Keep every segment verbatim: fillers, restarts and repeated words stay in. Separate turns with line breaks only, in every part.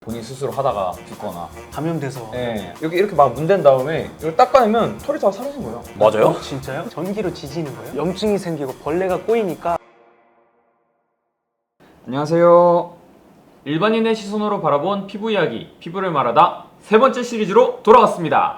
본인 스스로 하다가 죽거나
감염돼서.
예, 여기 이렇게 막 문댄 다음에 이걸 딱 꺼내면 털이 다 사라진 거예요.
맞아요?
어, 진짜요? 전기로 지지는 거예요? 염증이 생기고 벌레가 꼬이니까.
안녕하세요. 일반인의 시선으로 바라본 피부 이야기, 피부를 말하다 세 번째 시리즈로 돌아왔습니다.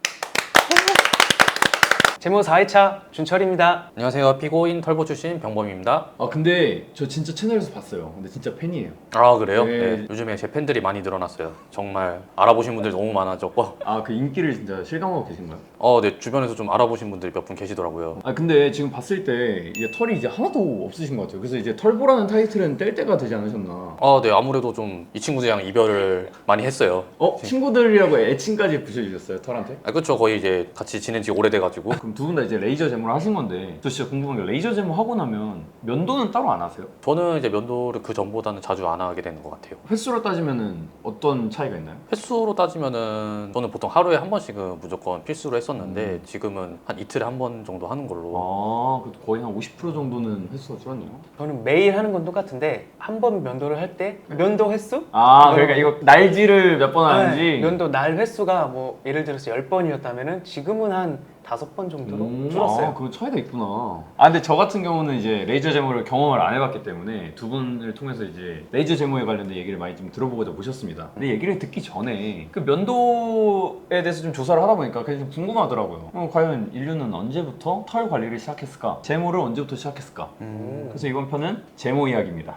제모 사 회차 준철입니다.
안녕하세요. 피고인 털보 출신 병범입니다.
아 근데 저 진짜 채널에서 봤어요. 근데 진짜 팬이에요.
아 그래요?
네.
네. 요즘에 제 팬들이 많이 늘어났어요. 정말 알아보신 분들이 너무 많아졌고
아 그 인기를 진짜 실감하고 계신가요?
어, 네. 주변에서 좀 알아보신 분들이 몇 분 계시더라고요.
아 근데 지금 봤을 때 이제 털이 이제 하나도 없으신 것 같아요. 그래서 이제 털보라는 타이틀은 뗄 때가 되지 않으셨나?
아, 네. 아무래도 좀 이 친구들이랑 이별을 많이 했어요.
어? 친구들이라고 애칭까지 붙여주셨어요 털한테?
아, 그렇죠. 거의 이제 같이 지낸 지 오래돼가지고.
그럼 두 분 다 이제 레이저 제모를 하신 건데 저 진짜 궁금한 게 레이저 제모 하고 나면 면도는 따로 안 하세요?
저는 이제 면도를 그 전보다는 자주 안 하게 되는 것 같아요.
횟수로 따지면은 어떤 차이가 있나요?
횟수로 따지면은 저는 보통 하루에 한 번씩은 무조건 필수로 했었는데
음.
지금은 한 이틀에 한 번 정도 하는 걸로.
아, 그래도 거의 한 오십 퍼센트 정도는 횟수가 줄었네요.
저는 매일 하는 건 똑같은데 한 번 면도를 할 때 면도 횟수?
아, 그러니까 이거 날지를 몇 번
네,
하는지.
면도 날 횟수가 뭐 예를 들어서 열 번이었다면은 지금은 한 다섯 번 정도로
음,
줄었어요.
아, 그 차이가 있구나. 아, 근데 저 같은 경우는 이제 레이저 제모를 경험을 안 해봤기 때문에 두 분을 통해서 이제 레이저 제모에 관련된 얘기를 많이 좀 들어보고자 모셨습니다. 근데 얘기를 듣기 전에 그 면도에 대해서 좀 조사를 하다 보니까 그게 좀 궁금하더라고요. 어, 과연 인류는 언제부터 털 관리를 시작했을까? 제모를 언제부터 시작했을까?
음.
그래서 이번 편은 제모 이야기입니다.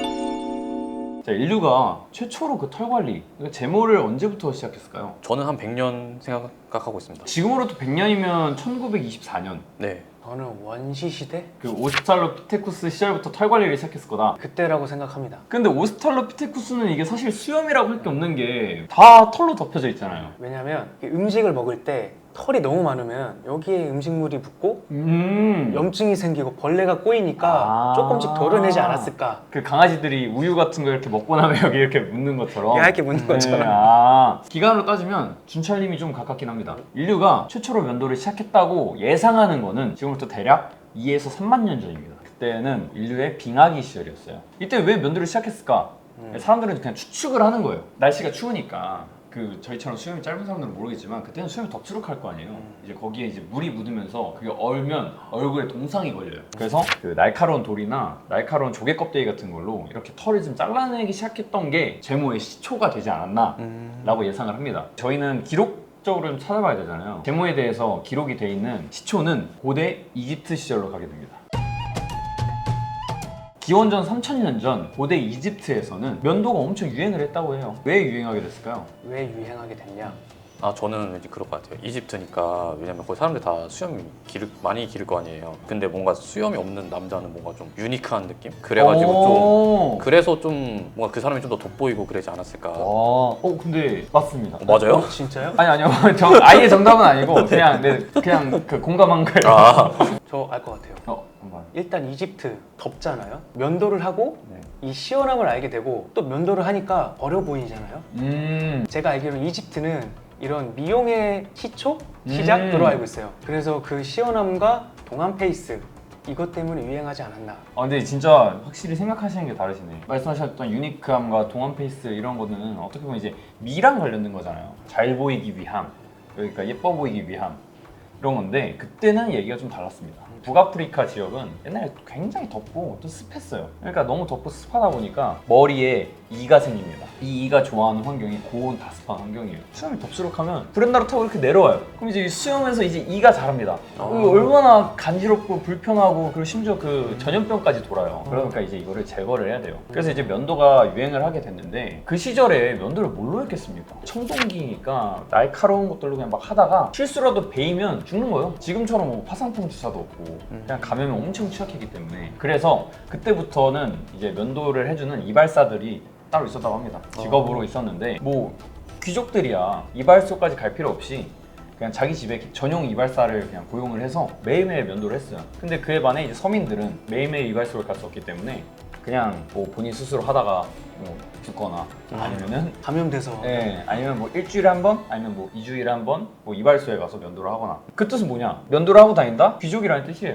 자, 인류가 최초로 그 털 관리, 그러니까 제모를 언제부터 시작했을까요?
저는 한 백 년 생각하고 있습니다.
지금으로부터 백 년이면 천구백이십사 년.
네.
저는 원시 시대
그 오스트랄로피테쿠스 시절부터 털 관리를 시작했을 거다.
그때라고 생각합니다.
근데 오스트랄로피테쿠스는 이게 사실 수염이라고 할 게 없는 게 다 털로 덮여져 있잖아요.
왜냐면 음식을 먹을 때 털이 너무 많으면 여기에 음식물이 붙고
음.
염증이 생기고 벌레가 꼬이니까
아.
조금씩 덜어내지 않았을까.
그 강아지들이 우유 같은 거 이렇게 먹고 나면 여기 이렇게 묻는 것처럼.
얇게 묻는
네,
것처럼.
아. 기간으로 따지면 준철님이 좀 가깝긴 합니다. 인류가 최초로 면도를 시작했다고 예상하는 거는 지금부터 대략 이에서 삼만 년 전입니다. 그때는 인류의 빙하기 시절이었어요. 이때 왜 면도를 시작했을까?
음.
사람들은 그냥 추측을 하는 거예요. 날씨가 추우니까 그 저희처럼 수염이 짧은 사람들은 모르겠지만 그때는 수염이 덥수룩할 거 아니에요.
음.
이제 거기에 이제 물이 묻으면서 그게 얼면 얼굴에 동상이 걸려요. 그래서 그 날카로운 돌이나 날카로운 조개 껍데기 같은 걸로 이렇게 털을 좀 잘라내기 시작했던 게 제모의 시초가 되지 않았나라고
음.
예상을 합니다. 저희는 기록적으로 좀 찾아봐야 되잖아요. 제모에 대해서 기록이 돼 있는 시초는 고대 이집트 시절로 가게 됩니다. 기원전 삼천 년 전 고대 이집트에서는 면도가 엄청 유행을 했다고 해요. 왜 유행하게 됐을까요?
왜 유행하게 됐냐?
아, 저는 왠지 그럴 것 같아요. 이집트니까. 왜냐면 거기 사람들 다 수염이 기를, 많이 기를 거 아니에요. 근데 뭔가 수염이 없는 남자는 뭔가 좀 유니크한 느낌? 그래가지고 좀 그래서 좀 뭔가 그 사람이 좀 더 돋보이고 그러지 않았을까.
와, 어 근데 맞습니다.
어, 맞아요?
어, 진짜요?
아니 아니요, 정, 아예 정답은 아니고 그냥 네, 그냥 그 공감한 거예요.
아,
저 알 것 같아요.
어, 한번.
일단 이집트 덥잖아요. 면도를 하고
네.
이 시원함을 알게 되고 또 면도를 하니까 어려 보이잖아요.
음,
제가 알기로는 이집트는 이런 미용의 시초? 시작으로
음.
알고 있어요. 그래서 그 시원함과 동안 페이스 이것 때문에 유행하지 않았나.
아 근데 진짜 확실히 생각하시는 게 다르시네. 말씀하셨던 유니크함과 동안 페이스 이런 거는 어떻게 보면 이제 미랑 관련된 거잖아요. 잘 보이기 위함, 그러니까 예뻐 보이기 위함 이런 건데 그때는 얘기가 좀 달랐습니다. 북아프리카 지역은 옛날에 굉장히 덥고 또 습했어요. 그러니까 너무 덥고 습하다 보니까 머리에 이가 생깁니다. 이 이가 좋아하는 환경이 고온 다습한 환경이에요. 수염이 덥수룩하면 브랜다로 타고 이렇게 내려와요. 그럼 이제 이 수염에서 이제 이가 자랍니다.
아.
이거 얼마나 간지럽고 불편하고 그리고 심지어 그 전염병까지 돌아요. 그러니까 이제 이거를 제거를 해야 돼요. 그래서 이제 면도가 유행을 하게 됐는데 그 시절에 면도를 뭘로 했겠습니까? 청동기니까 날카로운 것들로 그냥 막 하다가 실수라도 베이면 죽는 거예요. 지금처럼 뭐 화상풍 주사도 없고 그냥 감염에 엄청 취약했기 때문에 그래서 그때부터는 이제 면도를 해주는 이발사들이 따로 있었다고 합니다. 직업으로 있었는데 뭐 귀족들이야 이발소까지 갈 필요 없이 그냥 자기 집에 전용 이발사를 그냥 고용을 해서 매일매일 면도를 했어요. 근데 그에 반해 이제 서민들은 매일매일 이발소를 갈 수 없기 때문에 그냥 뭐 본인 스스로 하다가 뭐 죽거나 아니면은
감염돼서.
예, 아니면 뭐 일주일에 한 번, 아니면 뭐 이주일에 한 번, 뭐 이발소에 가서 면도를 하거나. 그 뜻은 뭐냐? 면도를 하고 다닌다? 귀족이라는 뜻이에요.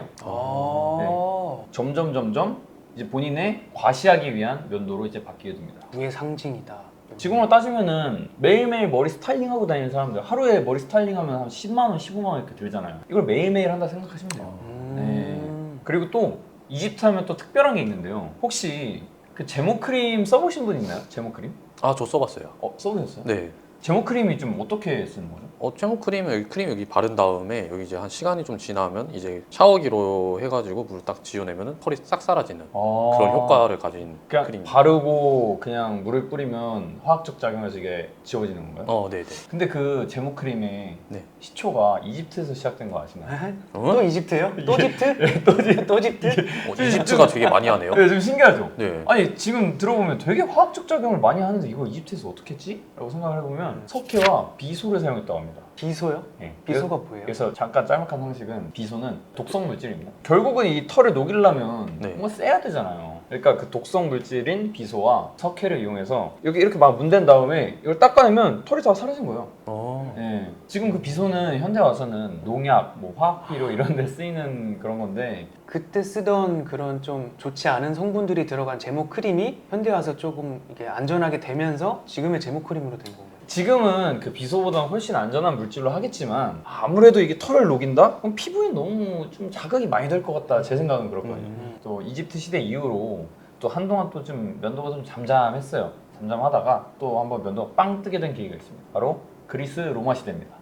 아.
점점 점점 이제 본인의 과시하기 위한 면도로 이제 바뀌게 됩니다.
부의 상징이다.
지금으로 따지면은 매일매일 머리 스타일링하고 다니는 사람들 하루에 머리 스타일링하면 한 십만 원, 십오만 원 이렇게 들잖아요. 이걸 매일매일 한다 생각하시면 돼요.
음.
네. 그리고 또 이집트 하면 또 특별한 게 있는데요. 혹시 그 제모 크림 써보신 분 있나요? 제모 크림?
아, 저 써봤어요.
어, 써보셨어요?
네.
제모 크림이 좀 어떻게 쓰는 거죠?
어, 제모 크림을 여기 크림 여기 바른 다음에 여기 이제 한 시간이 좀 지나면 이제 샤워기로 해가지고 물을 딱 지워내면은 털이 싹 사라지는
아...
그런 효과를 가진
그냥
크림.
바르고 그냥 물을 뿌리면 화학적 작용해서 이게 지워지는 건가요?
어, 네, 네.
근데 그 제모 크림의
네.
시초가 이집트에서 시작된 거 아시나요?
어?
또 이집트요? 또 집트?
또 지-
또 집트?
어, 이집트가 되게 많이 하네요.
네, 좀 신기하죠?
네.
아니 지금 들어보면 되게 화학적 작용을 많이 하는데 이걸 이집트에서 어떻게 했지? 라고 생각을 해보면 석회와 비소를 사용했다고 합니다.
비소요?
네.
비소가 뭐예요?
그래서 잠깐 짤막한 상식은 비소는 독성 물질입니다. 결국은 이 털을 녹이려면
네.
뭔가 세야 되잖아요. 그러니까 그 독성 물질인 비소와 석회를 이용해서 여기 이렇게 막 문댄 다음에 이걸 닦아내면 털이 다 사라진 거예요.
어.
네. 지금 그 비소는 현대 와서는 농약, 뭐 화학비료 이런 데 쓰이는 그런 건데
그때 쓰던 그런 좀 좋지 않은 성분들이 들어간 제모 크림이 현대 와서 조금 이게 안전하게 되면서 지금의 제모 크림으로 된 건가요?
지금은 그 비소보다는 훨씬 안전한 물질로 하겠지만 아무래도 이게 털을 녹인다? 그럼 피부에 너무 좀 자극이 많이 될 것 같다. 제 생각은 그렇거든요.
음.
또 이집트 시대 이후로 또 한동안 또 좀 면도가 좀 잠잠했어요. 잠잠하다가 또 한번 면도가 빵 뜨게 된 계기가 있습니다. 바로 그리스 로마 시대입니다.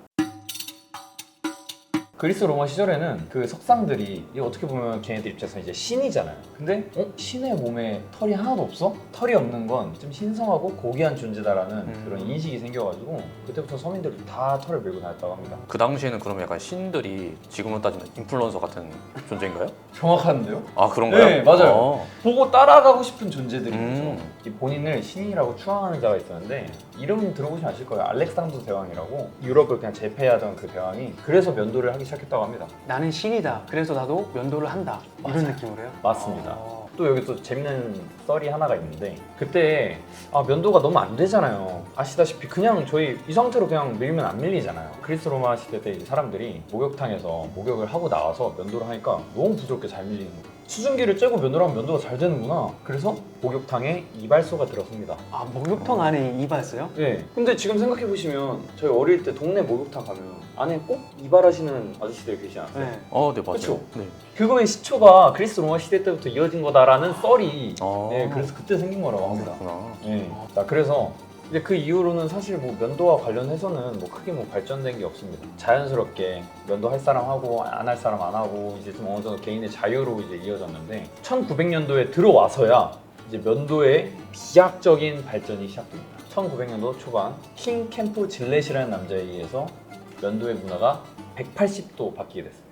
그리스 로마 시절에는 그 석상들이 이게 어떻게 보면 걔네들 입장에서 이제 신이잖아요. 근데 어? 신의 몸에 털이 하나도 없어? 털이 없는 건 좀 신성하고 고귀한 존재다라는
음.
그런 인식이 생겨가지고 그때부터 서민들이 다 털을 밀고 다녔다고 합니다.
그 당시에는 그러면 약간 신들이 지금으로 따지면 인플루언서 같은 존재인가요?
정확한데요?
아, 그런가요?
네, 맞아요.
어.
보고 따라가고 싶은 존재들이죠.
음.
이 본인을 신이라고 추앙하는 자가 있었는데 이름 들어보시면 아실 거예요. 알렉산더 대왕이라고 유럽을 그냥 제패하던 그 대왕이 그래서 면도를 하기 시작했다고 합니다.
나는 신이다. 그래서 나도 면도를 한다. 이런
맞아요.
느낌으로요?
맞습니다.
어.
또 여기 또 재밌는 썰이 하나가 있는데 그때 아, 면도가 너무 안 되잖아요. 아시다시피 그냥 저희 이 상태로 그냥 밀면 안 밀리잖아요. 그리스 로마 시대 때 이제 사람들이 목욕탕에서 목욕을 하고 나와서 면도를 하니까 너무 부드럽게 잘 밀리는 거예요. 수증기를 쬐고 면도를 하면 면도가 잘 되는구나. 그래서 목욕탕에 이발소가 들어섭니다.
아, 목욕탕 안에 이발소요?
네. 근데 지금 생각해 보시면 저희 어릴 때 동네 목욕탕 가면 안에 꼭 이발하시는 아저씨들 계시지 않았어요?
네.
어, 네, 맞아요.
그쵸?
네.
그거의 시초가 그리스 로마 시대 때부터 이어진 거다라는 썰이
어.
네, 그래서 그때 생긴 거라고
아,
합니다.
그렇구나.
네. 자, 그래서 이제 그 이후로는 사실 뭐 면도와 관련해서는 뭐 크게 뭐 발전된 게 없습니다. 자연스럽게 면도할 사람 하고 안 할 사람 안 하고 이제 좀 어느 정도 개인의 자유로 이제 이어졌는데 천구백 년도에 들어와서야 이제 면도의 비약적인 발전이 시작됩니다. 천구백 년도 초반 킹 캠프 질렛이라는 남자에 의해서 면도의 문화가 백팔십 도 바뀌게 됐습니다.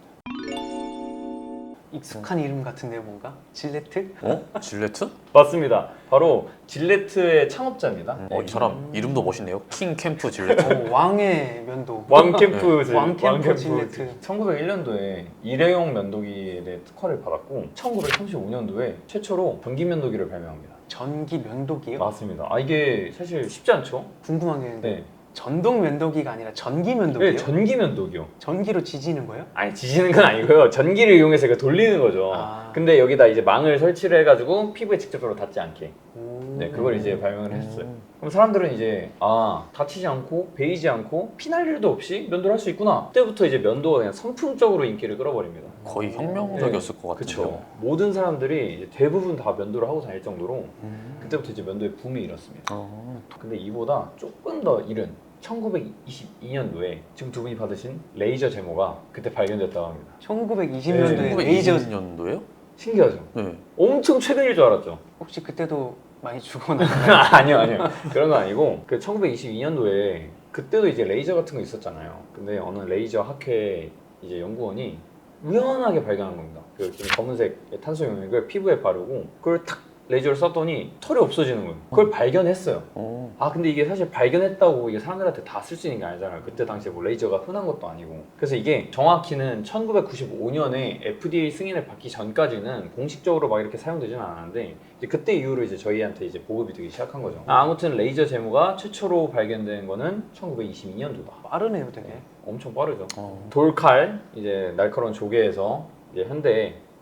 익숙한 이름 같은데 뭔가? 질레트?
어? 질레트?
맞습니다. 바로 질레트의 창업자입니다.
어, 이 사람 이름도 멋있네요. 킹 캠프 질레트.
어, 왕의 면도.
왕캠프 질-
왕캠프 질레트.
천구백일 년도에 일회용 면도기에 대해 특허를 받았고 천구백삼십오 년도에 최초로 전기 면도기를 발명합니다.
전기 면도기요?
맞습니다. 아 이게 사실 쉽지 않죠?
궁금한 게 있는데
네.
전동 면도기가 아니라 전기 면도기요?
네, 전기 면도기요.
전기로 지지는 거예요?
아니 지지는 건 아니고요. 전기를 이용해서 이렇게 돌리는 거죠.
아.
근데 여기다 이제 망을 설치를 해가지고 피부에 직접적으로 닿지 않게.
오.
네, 그걸 이제 발명을 했어요. 그럼 사람들은 이제 아 다치지 않고 베이지 않고 피날 일도 없이 면도를 할 수 있구나. 그때부터 이제 면도가 그냥 선풍적으로 인기를 끌어버립니다.
거의 혁명적이었을 것 같은데요.
그렇죠. 모든 사람들이 이제 대부분 다 면도를 하고 다닐 정도로
음.
그때부터 이제 면도의 붐이 일었습니다.
어.
근데 이보다 조금 더 이른 천구백이십이 년도에 지금 두 분이 받으신 레이저 제모가 그때 발견됐다고 합니다.
천구백이십
네.
년도에 레이저
천구백이십 년도에요?
신기하죠?
네.
엄청 최근일 줄 알았죠?
혹시 그때도 많이 죽어나?
아니요, 아니요. 그런 건 아니고 그 천구백이십이 년도에 그때도 이제 레이저 같은 거 있었잖아요. 근데 어느 레이저 학회 이제 연구원이 우연하게 발견한 겁니다. 그 좀 검은색 탄소 용액을 피부에 바르고 그걸 탁 레이저를 쐈더니 털이 없어지는 거예요. 그걸 발견했어요.
어.
아 근데 이게 사실 발견했다고 이게 사람들한테 다 쓸 수 있는 게 아니잖아요. 그때 당시에 뭐 레이저가 흔한 것도 아니고. 그래서 이게 정확히는 천구백구십오 년에 에프디에이 승인을 받기 전까지는 공식적으로 막 이렇게 사용되지는 않았는데 이제 그때 이후로 이제 저희한테 이제 보급이 되기 시작한 거죠. 아, 아무튼 레이저 제모가 최초로 발견된 거는 천구백이십이 년도다.
빠르네요 되게.
엄청 빠르죠.
어.
돌칼 이제 날카로운 조개에서 이제 현대에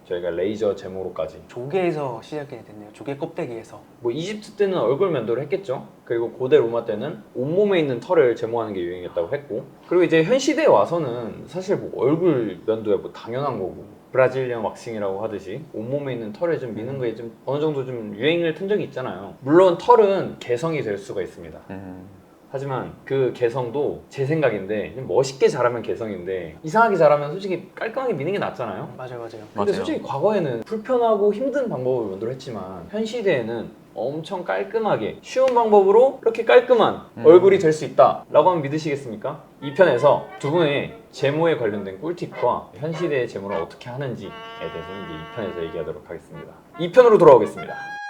저희가 레이저 제모로까지.
조개에서 시작이 됐네요. 조개 껍데기에서.
뭐 이집트 때는 얼굴 면도를 했겠죠. 그리고 고대 로마 때는 온몸에 있는 털을 제모하는 게 유행했다고 했고, 그리고 이제 현 시대에 와서는 사실 뭐 얼굴 면도야 뭐 당연한 거고, 브라질리언 왁싱이라고 하듯이 온몸에 있는 털을 좀 미는 거에 좀 어느 정도 좀 유행을 튼 적이 있잖아요. 물론 털은 개성이 될 수가 있습니다.
음.
하지만 그 개성도 제 생각인데 좀 멋있게 자라면 개성인데 이상하게 자라면 솔직히 깔끔하게 미는 게 낫잖아요.
맞아요, 맞아요.
근데
맞아요.
솔직히 과거에는 불편하고 힘든 방법을 면도를 했지만 현 시대에는 엄청 깔끔하게 쉬운 방법으로 이렇게 깔끔한
음.
얼굴이 될 수 있다 라고 하면 믿으시겠습니까? 이 편에서 두 분의 제모에 관련된 꿀팁과 현 시대의 제모를 어떻게 하는지에 대해서는 이제 이 편에서 얘기하도록 하겠습니다. 이 편으로 돌아오겠습니다.